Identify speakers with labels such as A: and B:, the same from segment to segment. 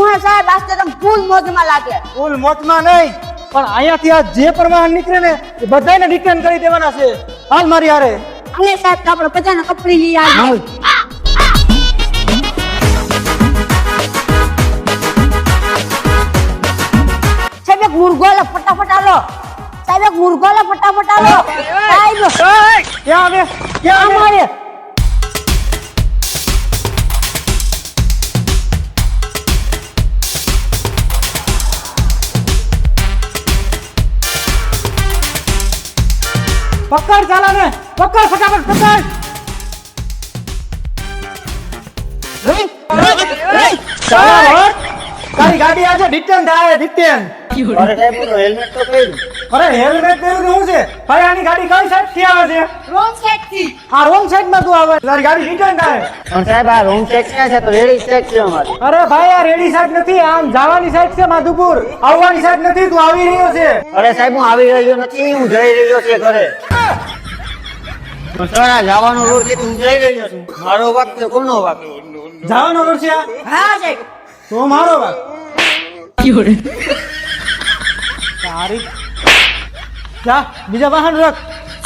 A: હા સાહેબ આજ તો તમે ફૂલ મોજમાં લાગે.
B: ફૂલ મોજમાં નહીં, પણ અહીંયાથી આ જે પણ વાહન નીકળે ને એ બધાને રિટર્ન કરી દેવાના છે. હાલ મારી હારે.
A: અને સાહેબ તો આપણે બધાને કપડી લઈ આવીએ. સાહેબ એક મુર્ગો લો ફટાફટ આલો. સાહેબ એક મુર્ગો લો ફટાફટ આલો. સાહેબ
B: ક્યાં આવે? ક્યાં આવે?
A: અમારે
B: પકડ ચાલાને, પકડ ફટાફટ પકડ. ચાલો હટ. તારી ગાડી આજે રિટર્ન થાય, રિટર્ન.
C: અરે સાહેબ હું હેલ્મેટ તો પહેર્યું.
B: અરે હેલ્મેટ પહેર્યું તો શું છે? ભાઈ આની ગાડી કઈ સાઈડ થી આવે છે?
A: રોંગ સાઈડ થી.
B: આ રોંગ સાઈડ માં તું આવે, તારી ગાડી રિટર્ન થાય.
C: પણ સાહેબ આ રોંગ સાઈડ ક્યાં છે? તો રેડી સાઈડ છે અમારી.
B: અરે ભાઈ આ રેડી સાઈડ નથી, આમ જવાની સાઈડ છે માધુપુર, આવવાની સાઈડ નથી. તું આવી રહ્યો છે.
C: અરે સાહેબ હું આવી રહ્યો નથી, હું જઈ રહ્યો છે ઘરે. સર આ જવાનો રોડ છે, હું જઈ રહ્યો છું. મારો વાક છે કોનો વાક?
B: જવાનો રોડ છે આ?
A: હા સાહેબ.
B: તો મારો વાત. તારી જા બીજા વાહન રખ.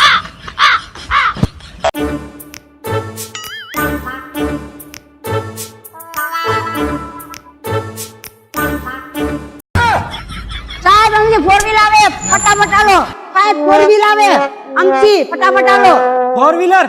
A: સાહેબ અમને ફોર વ્હીલ આવે ફટાફટ આલો. સાહેબ ફોર વ્હીલ આવે આમથી ફટાફટ આલો.
B: ફોર વ્હીલર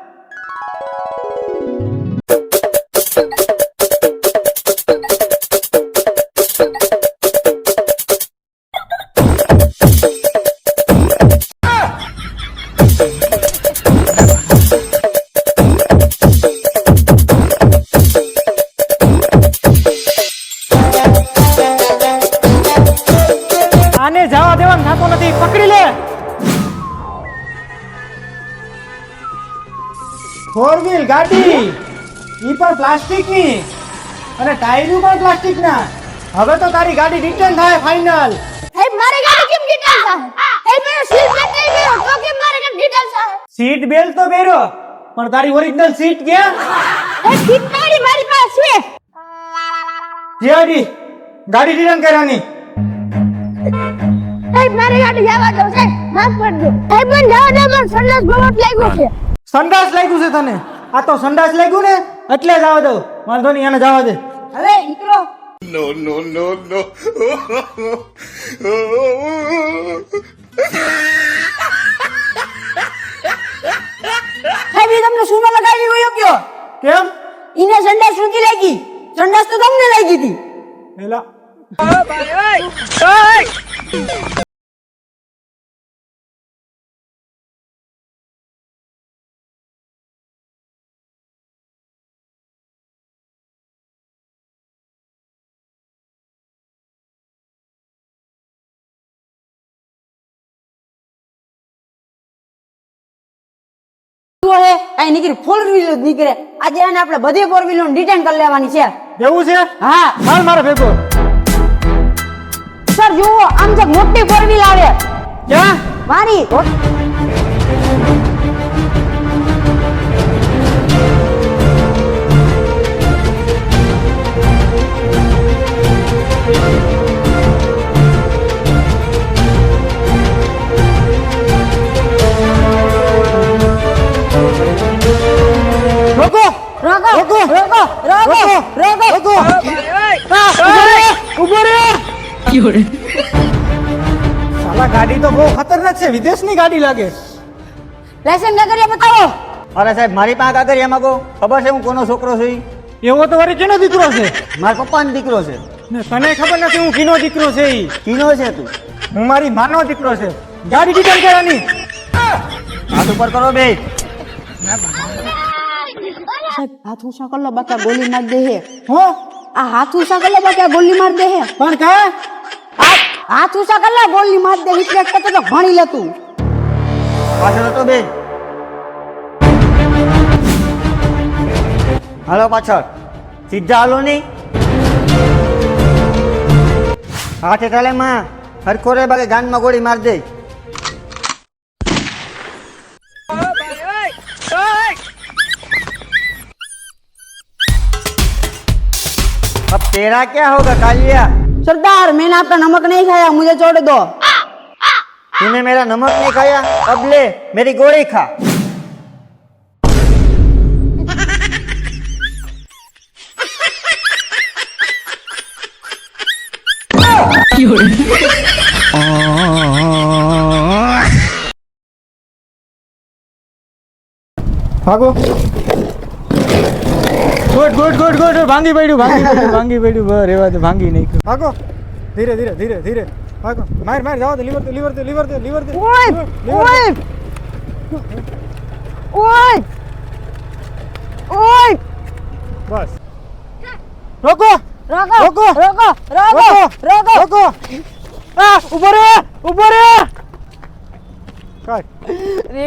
B: આને જવા દેવાનું થતો નથી. પકડી લે. ફોર વ્હીલ ગાડી ઈ પણ પ્લાસ્ટિક ની અને ટાયરો પણ પ્લાસ્ટિક ના. હવે તો તારી ગાડી રિટર્ન થાય ફાઇનલ.
A: સાહેબ મારી ગાડી કેમ ડિટેલ થાય? સાહેબ મેં સીટ બેલ્ટ નહીં પહેર્યો તો કેમ મારી ગાડી ડિટેલ થાય?
B: સીટ બેલ્ટ તો પહેર્યો, પણ તારી ઓરિજિનલ સીટ ક્યાં?
A: એ સીટ મારી પાસે છે.
B: જીઆડી ગાડી રિટર્ન કરવાની.
A: સાહેબ મારી ગાડી જવા દો સાહેબ, માફ કરજો. સાહેબ મને જવા દો, મને સંડાસ બહુ લાગ્યો છે.
B: સંડાસ લાગ્યું છે તને? આ તો સંડાસ લાગ્યું ને એટલે જવા દઉં. વાંધો નહીં, એને જવા દે.
A: હવે નીકળો. સાહેબ એ તમને સુનો લગાવી ગયો કયો?
B: કેમ?
A: ઈને સંડાસ સુધી લાગી, સંડાસ તો તમને લાગી હતી.
B: એલા
A: અહીં નીકળી ફોર વ્હીલર નીકળે. આજે એને આપણે બધી ફોર વ્હીલર ડિટેન કરી લેવાની છે.
B: એવું છે?
A: હા
B: હાલ મારે ભેગો.
A: સર જુઓ આમ જે મોટી ફોર વ્હીલ આવે
B: ક્યાં?
A: મારી
B: રોકો
A: રોકો
B: રોકો
A: રોકો રોકો રોકો
B: રોકો. ઉભો રે. સાલા ગાડી તો બહુ ખતરનાક છે, વિદેશની ગાડી લાગે.
A: લાયસન્સ નગરિયા બતાવો.
C: અરે સાહેબ મારી પાસે કાગળિયા માંગો. ખબર છે હું કોનો છોકરો છું?
B: એવો તો વળી કેનો દીકરો છે?
C: મારા પપ્પાનો દીકરો છે.
B: ને તને ખબર નથી હું કીનો દીકરો છે? ઈ
C: કીનો છે તું?
B: હું મારી માનો દીકરો છે. ગાડી રિટર્ન કરવાની.
C: હાથ ઉપર કરો બે.
A: સાહેબ હાથ ઊંચા કર લો બાકા ગોલી માર દે હે.
B: હો
A: આ હાથ ઊંચા કર લો બાકા ગોલી માર દે હે.
B: પણ કા
A: હાથ ઊંચા કર લો ગોલી માર દે. રિફ્લેક્ટ કરતો તો ભણી લે તું.
C: પાછળ હતો બે. હાલો પાછળ. સીધા હાલો નહીં. હાથે ચાલે માં હરખો રે બાકી ગાનમાં ગોળી માર દે. तेरा क्या होगा कालिया?
A: सरदार मैंने आपका नमक नहीं खाया, मुझे छोड़ दो।
C: तूने मेरा नमक नहीं खाया, अब ले मेरी गोली खा।
B: ભાગો. Good good good good. ભાંગી પડ્યું ભાંગી પડ્યું. બસ રેવા દે, ભાંગી નાખ્યું. ભાગો. ધીરે ધીરે ધીરે ધીરે ભાગો. માર માર જાવ દે. લીવર દે લીવર દે લીવર દે લીવર દે.
A: ઓય ઓય ઓય ઓય
B: બસ. રોકો
A: રોકો
B: રોકો.
A: રોકો રોકો રોકો
B: રોકો. આ ઉભો રે ઉભો રે. કાઢ.